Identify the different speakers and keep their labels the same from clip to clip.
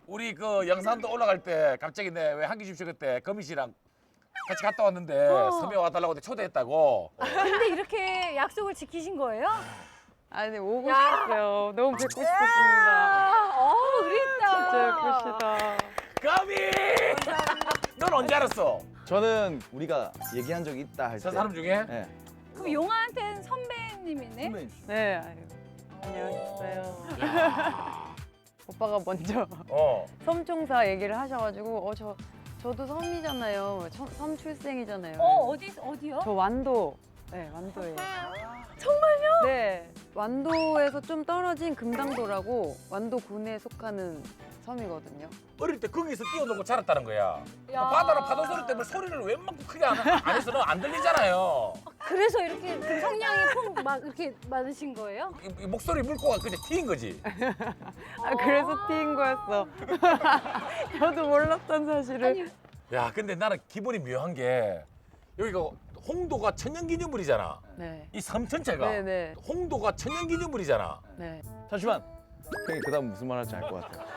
Speaker 1: 우리 그 영산도 올라갈 때 갑자기 내 왜 한기 집쇼 그때 거미 씨랑 같이 갔다 왔는데 섬에 와달라고 초대했다고.
Speaker 2: 근데 이렇게 약속을 지키신 거예요?
Speaker 3: 아니 오고
Speaker 2: 야.
Speaker 3: 싶어요. 너무 뵙고 싶었습니다.
Speaker 2: 그랬다.
Speaker 3: 진짜 예쁘시다.
Speaker 1: 거미! 넌 언제 알았어?
Speaker 4: 저는 우리가 얘기한 적이 있다 할 때.
Speaker 1: 저 사람 중에?
Speaker 4: 네.
Speaker 2: 그럼 용아한테는 선배님이네?
Speaker 4: 선배님.
Speaker 3: 네, 아유, 안녕하세요. 오빠가 먼저
Speaker 1: 어.
Speaker 3: 섬총사 얘기를 하셔가지고 저도 섬이잖아요. 섬 출생이잖아요.
Speaker 2: 어디요?
Speaker 3: 저 완도. 네, 완도예요. 정말요? 네. 완도에서 좀 떨어진 금당도라고 완도군에 속하는 섬이거든요.
Speaker 1: 어릴 때 거기서 뛰어놀고 자랐다는 거야.
Speaker 2: 야.
Speaker 1: 바다나 파도 소리 때문에 소리를 웬만큼 크게 안 해서는 안 들리잖아요.
Speaker 2: 그래서 이렇게 그 성량이 막 이렇게 많으신 거예요?
Speaker 1: 이 목소리 물고가 그냥 튀인 거지.
Speaker 3: 아, 그래서 튀인 거였어. 저도 몰랐던 사실을.
Speaker 2: 아니,
Speaker 1: 야, 근데 나는 기분이 묘한 게 여기가 홍도가 천연기념물이잖아.
Speaker 3: 네.
Speaker 1: 이 섬 전체가
Speaker 3: 네네.
Speaker 1: 홍도가 천연기념물이잖아.
Speaker 3: 네.
Speaker 4: 잠시만. 형이 그다음 무슨 말 할지 알 것 같아요.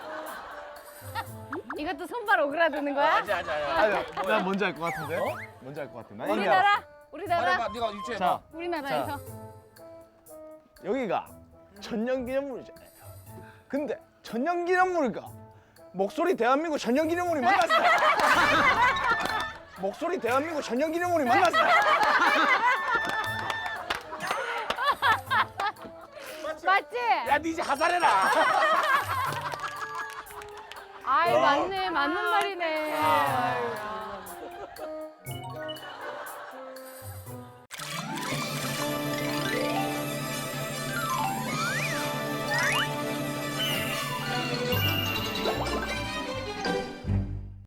Speaker 2: 이것도 손발 오그라드는 거야?
Speaker 1: 아니.
Speaker 4: 나 뭔지 알 것 같은데?
Speaker 1: 어?
Speaker 4: 뭔지 알 것 같아. 나 이미 알았어.
Speaker 2: 우리나라? 우리나라?
Speaker 1: 말해봐, 네가 유추해봐.
Speaker 4: 자,
Speaker 2: 우리나라에서?
Speaker 4: 여기가 천연기념물이잖아요. 근데 천연기념물과 목소리 대한민국 천연기념물이 만났어요. 목소리 대한민국 천연기념물이 만났어요.
Speaker 2: 맞지?
Speaker 1: 야, 니 이제 하산해라.
Speaker 2: 아이 맞네 맞는 말이네. 아유.